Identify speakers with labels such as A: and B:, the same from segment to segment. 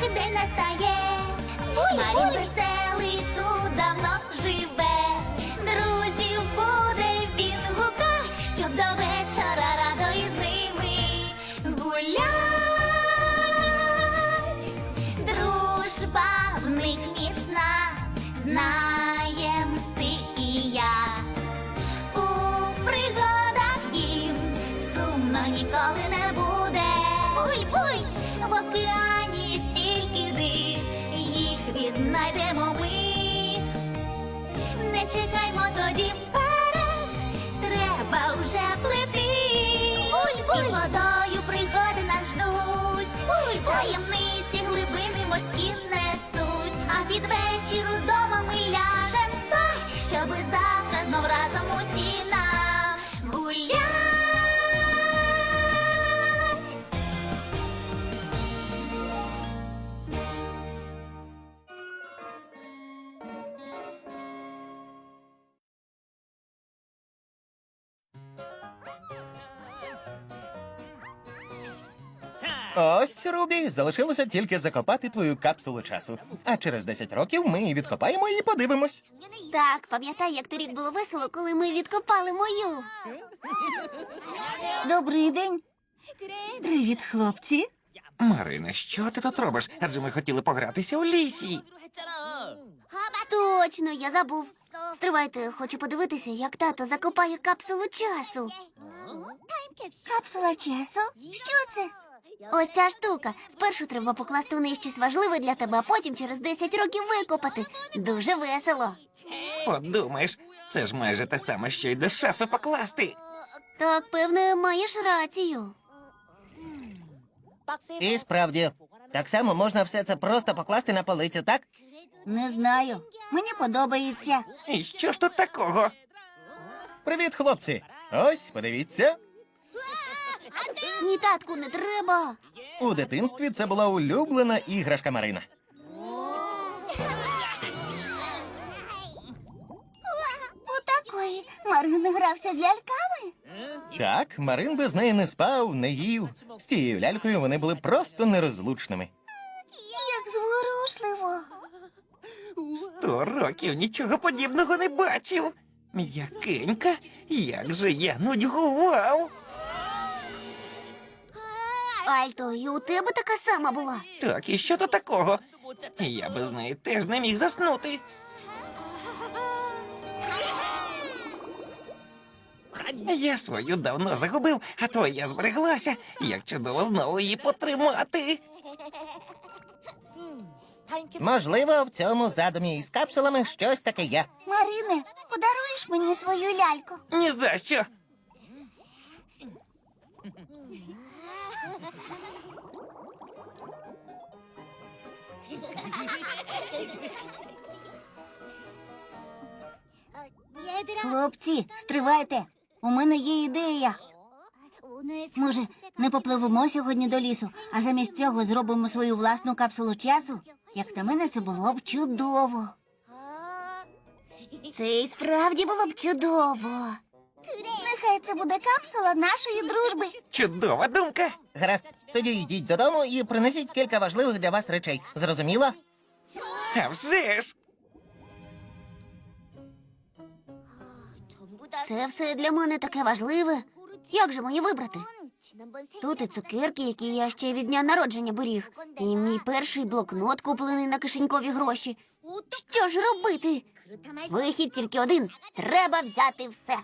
A: день настає. Марін веселий тут давно живе. Друзів буде він гукать, щоб до вечора радо із ними гулять. Дружба в них міцна, знаєм ти і я. У пригадах їм сумно ніколи не буде. Буй-буй! В океані стільки див, їх віднайдемо ми. Не чекаймо тоді вперед, треба вже плити. Буль-буль! І водою пригоди нас ждуть. Буль-буль! Таємниці глибини морські несуть. А під вечір удома ми ляжем спать, щоби завтра знов разом усі нагулять.
B: Ось, Рубі, залишилося тільки закопати твою капсулу часу. А через 10 років ми її відкопаємо і подивимось.
A: Так, пам'ятай, як торік було весело, коли ми відкопали мою.
C: Добрий день. Привіт, хлопці.
D: Марина, що ти тут робиш? Адже ми хотіли погратися у лісі.
A: Точно, я забув. Стривайте, хочу подивитися, як тато закопає капсулу часу.
C: Капсула часу? Що це?
A: Ось ця штука. Спершу треба покласти в неї щось важливе для тебе, а потім через 10 років викопати. Дуже весело.
D: Подумаєш, це ж майже те саме, що й до шафи покласти.
A: Так, певне, маєш рацію.
B: І справді, так само можна все це просто покласти на полицю, так?
C: Не знаю. Мені подобається.
D: І що ж тут такого?
B: Привіт, хлопці! Ось, подивіться.
A: Ні, татку, не треба.
B: У дитинстві це була улюблена іграшка Марина.
C: У такої Марин грався з ляльками.
B: Так, Марин без неї не спав, не їв. З цією лялькою вони були просто нерозлучними.
C: Як зворушливо.
D: 100 років нічого подібного не бачив. М'якенька, як же я нудьгував.
A: Альто, і у тебе така сама була.
D: Так, і що тут такого? Я без неї теж не міг заснути. Я свою давно загубив, а твоя збереглася. Як чудово знову її потримати.
B: Можливо, в цьому задумі із капсулами щось таке є.
C: Марине, подаруєш мені свою ляльку?
D: Ні за що.
C: Хлопці, стривайте. У мене є ідея. Може, не попливемо сьогодні до лісу, а замість цього зробимо свою власну капсулу часу? Як на мене, це було б чудово.
A: Це і справді було б чудово.
C: Нехай це буде капсула нашої дружби.
D: Чудова думка.
B: Гаразд, тоді йдіть додому і принесіть кілька важливих для вас речей. Зрозуміло?
D: А вже ж.
A: Це все для мене таке важливе. Як же мені вибрати? Тут і цукерки, які я ще від дня народження беріг, і мій перший блокнот, куплений на кишенькові гроші. Що ж робити? Вихід тільки один. Треба взяти все.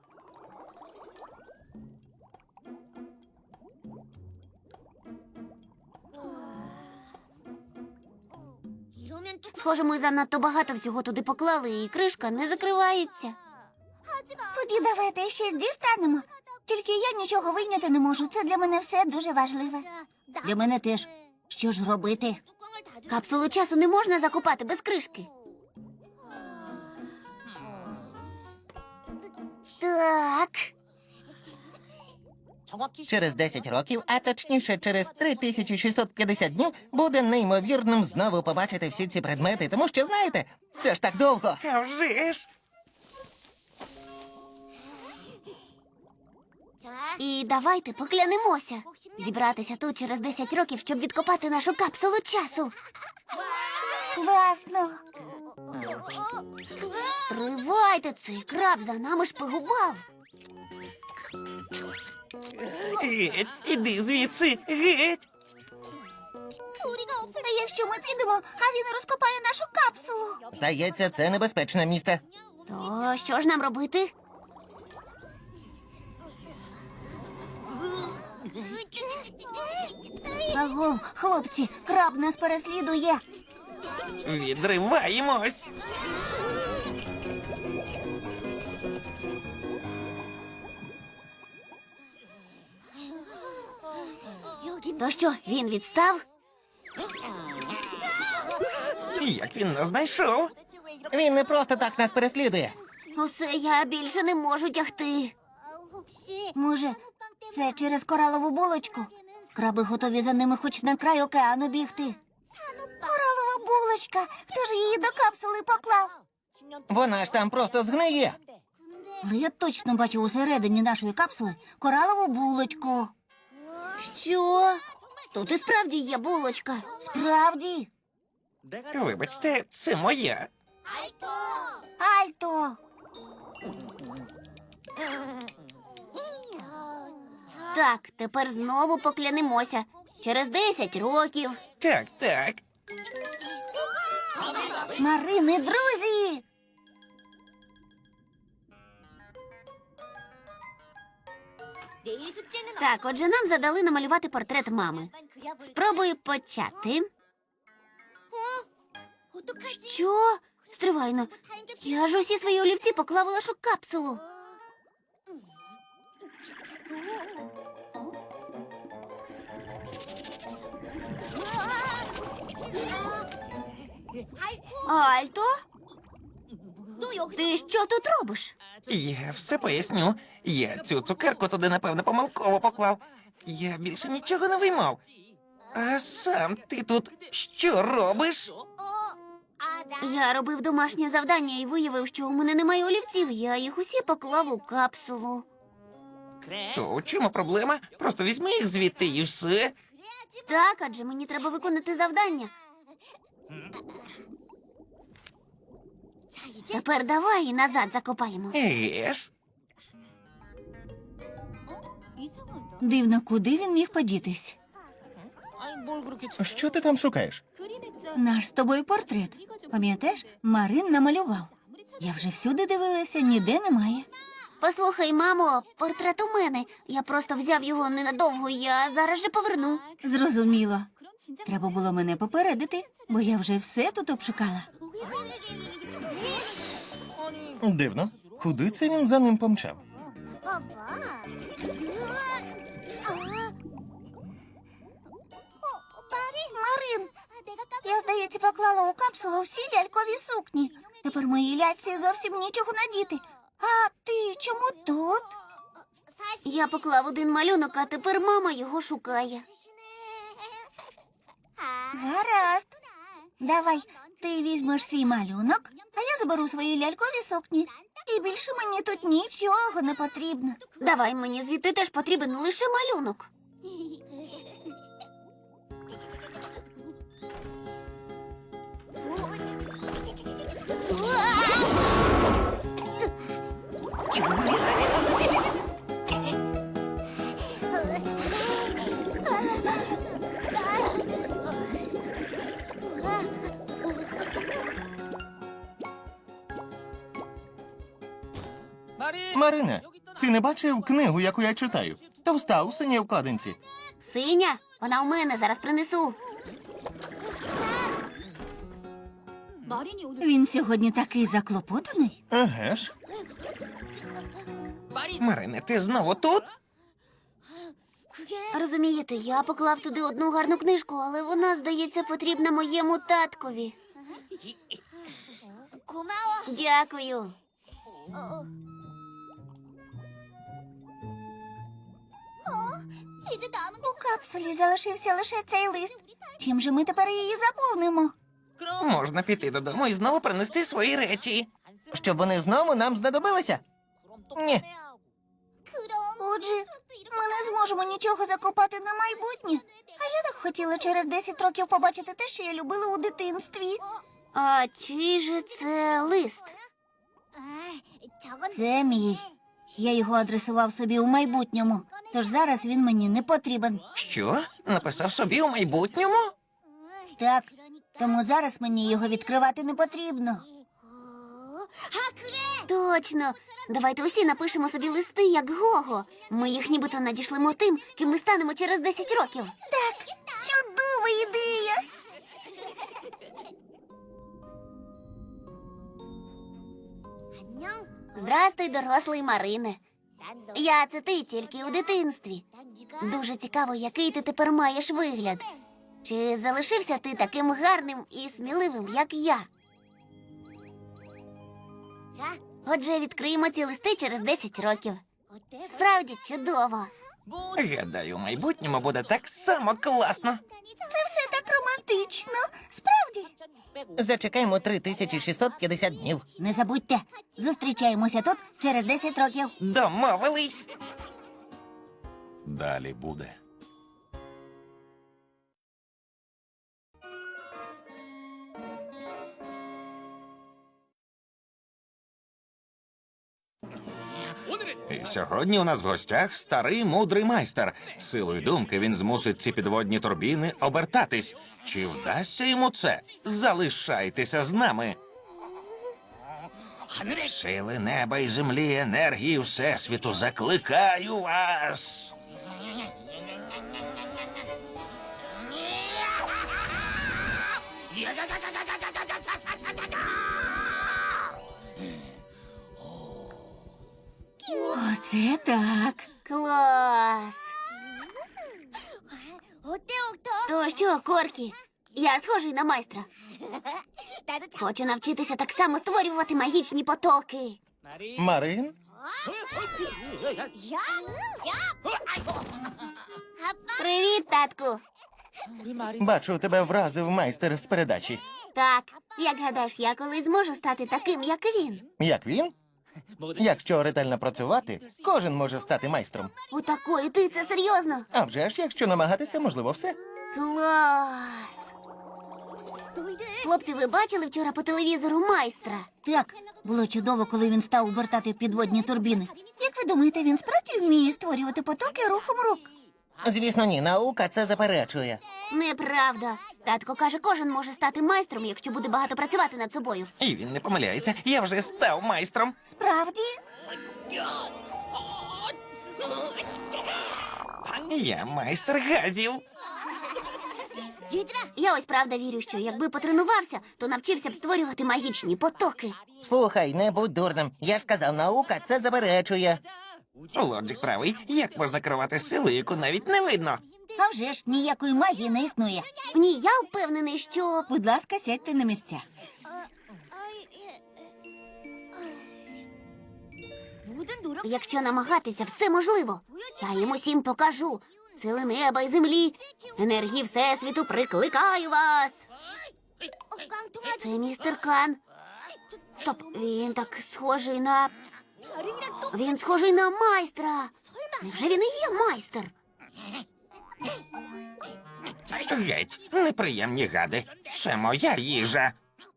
A: Схоже, ми занадто багато всього туди поклали, і кришка не закривається.
C: Тоді давайте щось дістанемо. Тільки я нічого вийняти не можу. Це для мене все дуже важливе. Для мене теж. Що ж робити?
A: Капсулу часу не можна закопати без кришки. Так.
B: Через 10 років, а точніше через 3650 днів, буде неймовірним знову побачити всі ці предмети, тому що, знаєте, це ж так довго.
D: А вже ж.
A: І давайте поклянемося зібратися тут через 10 років, щоб відкопати нашу капсулу часу.
C: Класно.
A: Тривайте, цей краб за нами шпигував.
D: Геть, іди звідси, геть.
C: А якщо ми підемо, а він розкопає нашу капсулу?
B: Здається, це небезпечне місце.
A: То що ж нам робити?
C: Агов, хлопці, краб нас переслідує.
D: Відриваємось.
A: То що, він відстав?
D: Як він нас знайшов?
B: Він не просто так нас переслідує.
A: Усе, я більше не можу тягти.
C: Може, це через коралову булочку? Краби готові за ними хоч на край океану бігти. Коралова булочка! Хто ж її до капсули поклав?
B: Вона ж там просто згниє.
C: Але я точно бачив усередині нашої капсули коралову булочку.
A: Що? Тут і справді є булочка.
C: Справді?
D: Вибачте, це моя.
C: Альто!
A: Так, тепер знову поклянемося. Через 10 років.
D: Так, так.
C: Марини, друзі!
A: Так, отже, нам задали намалювати портрет мами. Спробую почати. Що? Стривайно. Я ж усі свої олівці поклав у нашу капсулу. Альто? Ти що тут робиш?
D: Я все поясню. Я цю цукерку туди, напевно, помилково поклав. Я більше нічого не виймав. А сам ти тут що робиш?
A: Я робив домашнє завдання і виявив, що у мене немає олівців. Я їх усі поклав у капсулу.
D: То у чому проблема? Просто візьми їх звідти і все.
A: Так, адже мені треба виконати завдання. Тепер давай і назад закопаємо.
D: Єш.
C: Дивно, куди він міг подітись?
B: Що ти там шукаєш?
C: Наш з тобою портрет. Пам'ятаєш, Марин намалював. Я вже всюди дивилася, ніде немає.
A: Послухай, мамо, портрет у мене. Я просто взяв його ненадовго, я зараз же поверну.
C: Зрозуміло. Треба було мене попередити, бо я вже все тут обшукала.
B: Дивно. Куди це він за ним помчав?
C: Марин, я, здається, поклала у капсулу всі лялькові сукні. Тепер моїй ляльці зовсім нічого надіти. А ти чому тут?
A: Я поклав один малюнок, а тепер мама його шукає.
C: Гаразд. Давай, ти візьмеш свій малюнок, а я заберу свої лялькові сукні. І більше мені тут нічого не потрібно.
A: Давай, мені звідти теж потрібен лише малюнок.
B: Марине, ти не бачив книгу, яку я читаю? Товста у синій вкладинці.
A: Синя, вона у мене, зараз принесу.
C: Він сьогодні такий заклопотаний.
B: Еге ж.
D: Марине, ти знову тут?
A: Розумієте, я поклав туди одну гарну книжку, але вона, здається, потрібна моєму таткові. Дякую.
C: У капсулі залишився лише цей лист. Чим же ми тепер її заповнимо?
D: Можна піти додому і знову принести свої речі.
B: Щоб вони знову нам знадобилися? Ні.
C: Отже, ми не зможемо нічого закопати на майбутнє. А я так хотіла через 10 років побачити те, що я любила у дитинстві.
A: А чий же це лист?
C: Це мій. Я його адресував собі у майбутньому, тож зараз він мені не потрібен.
D: Що? Написав собі у майбутньому?
C: Так, тому зараз мені його відкривати не потрібно.
A: Точно. Давайте усі напишемо собі листи, як Гого. Ми їх нібито надішлемо тим, ким ми станемо через 10 років.
C: Чудова ідея!
A: Здрастуй, дорослий Марине. Я це ти тільки у дитинстві. Дуже цікаво, який ти тепер маєш вигляд. Чи залишився ти таким гарним і сміливим, як я? Отже, відкриємо ці листи через 10 років. Справді чудово.
D: Гадаю, у майбутньому буде так само класно.
C: Це все так романтично. Справді.
B: Зачекаємо 3650 днів.
C: Не забудьте, зустрічаємося тут через 10 років.
D: Домовились.
E: Далі буде.
D: І сьогодні у нас в гостях старий мудрий майстер. Силою думки він змусить ці підводні турбіни обертатись. Чи вдасться йому це? Залишайтеся з нами. Сили неба і землі, енергії Всесвіту, закликаю вас.
C: Оце так.
A: Клас! То що, Коркі? Я схожий на майстра. Хочу навчитися так само створювати магічні потоки.
B: Марин?
A: Привіт, татку.
B: Бачу, тебе вразив майстер з передачі.
A: Так, як гадаєш, я колись зможу стати таким, як він?
B: Як він? Якщо ретельно працювати, кожен може стати майстром.
A: У такої ти це серйозно?
B: А вже ж, якщо намагатися, можливо, все.
A: Клас! Хлопці, ви бачили вчора по телевізору майстра?
C: Так, було чудово, коли він став обертати підводні турбіни. Як ви думаєте, він справді вміє створювати потоки рухом рук?
B: Звісно, ні, наука це заперечує.
A: Неправда. Татко каже, кожен може стати майстром, якщо буде багато працювати над собою.
D: І він не помиляється. Я вже став майстром.
C: Справді?
D: Я майстер газів.
A: Я ось правда вірю, що якби потренувався, то навчився б створювати магічні потоки.
B: Слухай, не будь дурним. Я ж сказав, наука це заперечує.
D: Лоджик правий. Як можна керувати силою, яку навіть не видно?
C: А вже ж ніякої магії не існує.
A: Ні, я впевнений, що
C: Будь ласка, сядьте на місця.
A: якщо намагатися, все можливо. Я їм усім покажу. Сили неба і землі, енергії Всесвіту, прикликаю вас. Це містер Кан. Стоп, він так схожий на... Він схожий на майстра. Невже він і є майстер?
D: Геть, неприємні гади. Це моя їжа.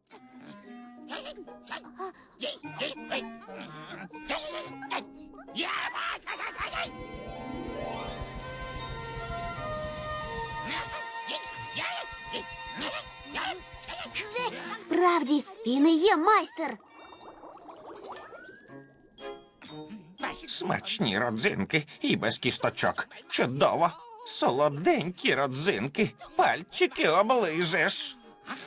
A: Справді, він і є майстер.
D: Смачні родзинки і без кісточок. Чудово. Солоденькі родзинки. Пальчики оближеш.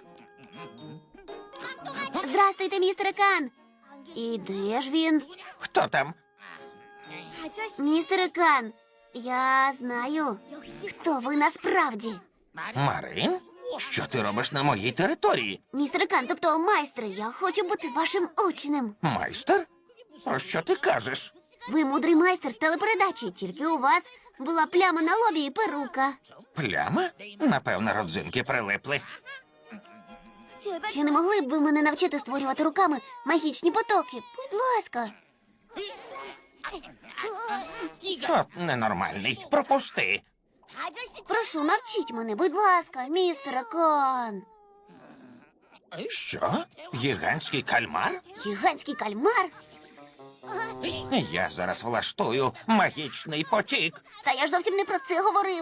A: Здрастуйте, містер Кан. І де ж він?
D: Хто там?
A: Містер Кан, я знаю, хто ви насправді.
D: Марин? Що ти робиш на моїй території?
A: Містер Кан, тобто майстер, я хочу бути вашим учнем.
D: Майстер? Про що ти кажеш?
A: Ви мудрий майстер з телепередачі, тільки у вас була пляма на лобі і перука.
D: Пляма? Напевно, родзинки прилипли.
A: Чи не могли б ви мене навчити створювати руками магічні потоки? Будь ласка.
D: От ненормальний. Пропусти.
A: Прошу, навчіть мене, будь ласка, містере Кан.
D: Що? Гігантський кальмар?
A: Гігантський кальмар?
D: Я зараз влаштую магічний потік.
A: Та я ж зовсім не про це говорив.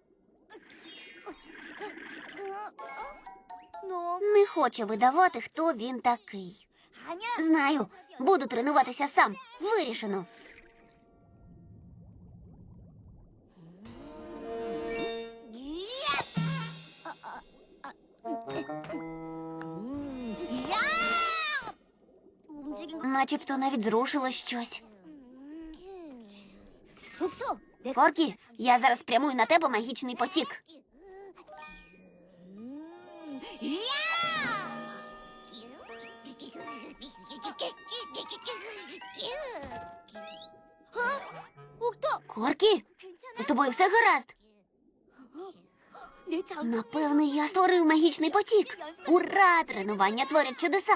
A: Не хоче видавати, хто він такий. Знаю, буду тренуватися сам. Вирішено. Начебто навіть зрушило щось. Коркі, я зараз спрямую на тебе магічний потік. Коркі, з тобою все гаразд? Напевно, я створив магічний потік. Ура! Тренування творять чудеса.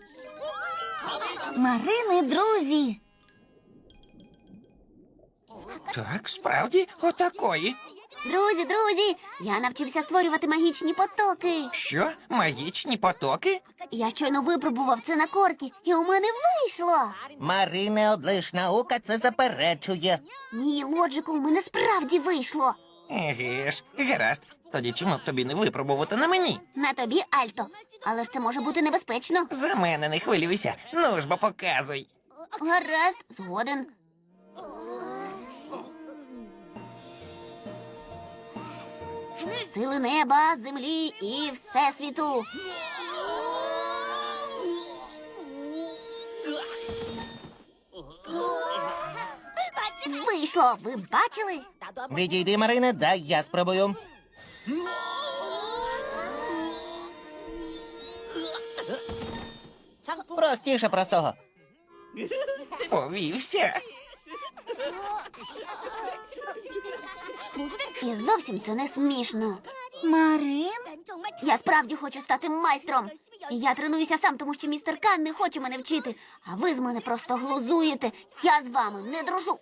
C: Марини, друзі.
D: Так, справді, отакої.
A: Друзі, я навчився створювати магічні потоки.
D: Що? Магічні потоки?
A: Я щойно випробував це на Коркі, і у мене вийшло.
B: Марине, облиш, наука це заперечує.
A: Ні, лоджику, у мене справді вийшло.
D: Еге ж, гаразд. Тоді чому б тобі не випробувати на мені?
A: На тобі, Альто. Але ж це може бути небезпечно.
D: За мене не хвилюйся. Ну ж бо показуй.
A: Гаразд, згоден. Сили неба, землі і всесвіту. Вийшло, ви бачили?
B: Відійди, Марине, дай я спробую. Простіше простого.
D: Повівся.
A: І зовсім це не смішно.
C: Марин?
A: Я справді хочу стати майстром. І я тренуюся сам, тому що містер Кан не хоче мене вчити. А ви з мене просто глузуєте. Я з вами не дружу.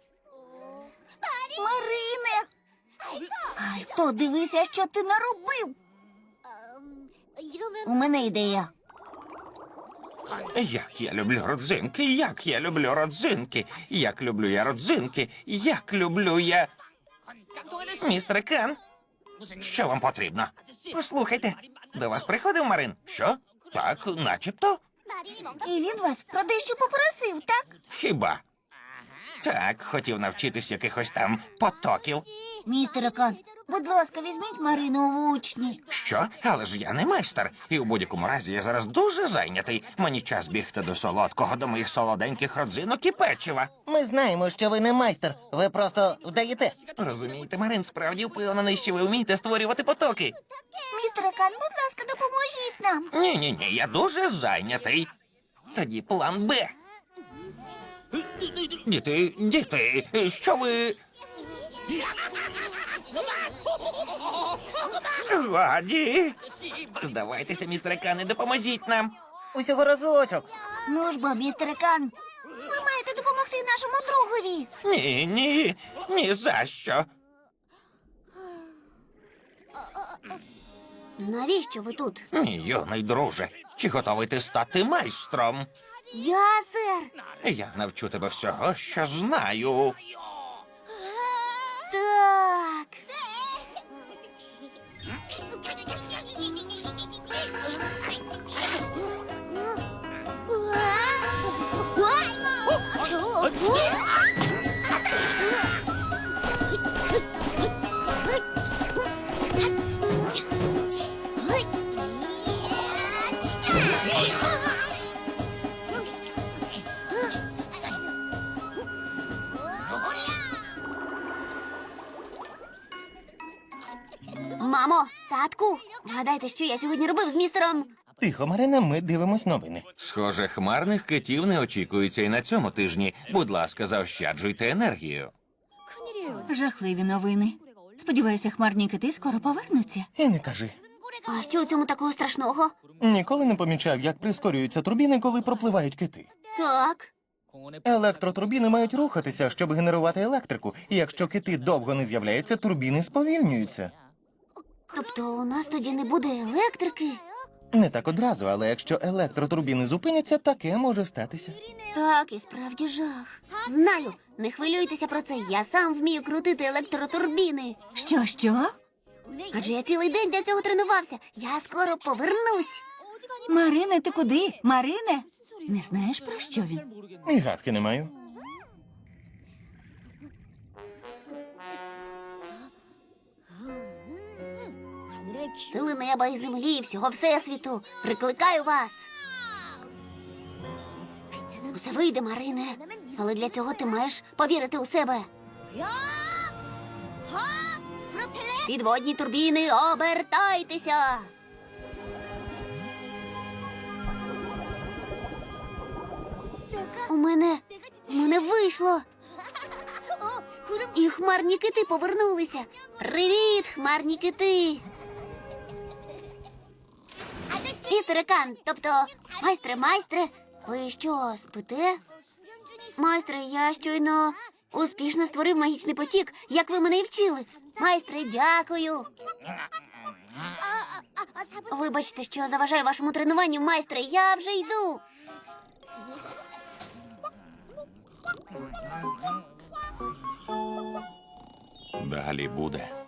C: Марине! Альто, дивися, що ти наробив. У мене ідея.
D: Як я люблю родзинки, як я люблю родзинки, як люблю я родзинки, як люблю я. Містер Кан, що вам потрібно? Послухайте, до вас приходив Марин? Що? Так, начебто.
C: І він вас про дещо попросив, так?
D: Хіба? Так, хотів навчитись якихось там потоків.
C: Містере Кан, будь ласка, візьміть Марину в учні.
D: Що? Але ж я не майстер. І у будь-якому разі я зараз дуже зайнятий. Мені час бігти до солодкого, до моїх солоденьких родзинок і печива.
B: Ми знаємо, що ви не майстер. Ви просто вдаєте.
D: Розумієте, Марин справді впевнений, що ви вмієте створювати потоки.
C: Містере Кан, будь ласка, допоможіть нам.
D: Ні, я дуже зайнятий. Тоді план Б. Діти, що ви. Годі. Здавайтеся, містере Кан, і допоможіть нам.
B: Усього разочок.
C: Ну ж бо, містере Кан, ви маєте допомогти нашому другові.
D: Ні за що.
A: Навіщо ви тут?
D: Мій юний друже, чи готовий ти стати майстром?
A: Я, сер.
D: Я навчу тебе всього, що знаю.
A: Так. Мамо, татку, вгадайте, що я сьогодні робив з містером.
B: Тихо, Марине, ми дивимось новини.
D: Схоже, хмарних китів не очікується і на цьому тижні. Будь ласка, заощаджуйте енергію.
C: Жахливі новини. Сподіваюся, хмарні кити скоро повернуться.
B: І не кажи.
A: А що у цьому такого страшного?
B: Ніколи не помічав, як прискорюються турбіни, коли пропливають кити.
A: Так.
B: Електротурбіни мають рухатися, щоб генерувати електрику. І якщо кити довго не з'являються, турбіни сповільнюються.
A: Тобто у нас тоді не буде електрики?
B: Не так одразу, але якщо електротурбіни зупиняться, таке може статися.
A: Так, і справді жах. Знаю, не хвилюйтеся про це. Я сам вмію крутити електротурбіни.
C: Що?
A: Адже я цілий день для цього тренувався. Я скоро повернусь.
C: Марине, ти куди? Марине? Не знаєш, про що він?
B: І гадки не маю.
A: Сили неба і землі, і всього всесвіту. Прикликаю вас. Усе вийде, Марине. Але для цього ти маєш повірити у себе. Підводні турбіни, обертайтеся. У мене вийшло. І хмарні кити повернулися. Привіт, хмарні кити. Містере Кан, тобто майстре, ви що, спите? Майстре, я щойно успішно створив магічний потік, як ви мене і вчили. Майстре, дякую. Вибачте, що заважаю вашому тренуванню, майстре, я вже йду.
D: Далі буде.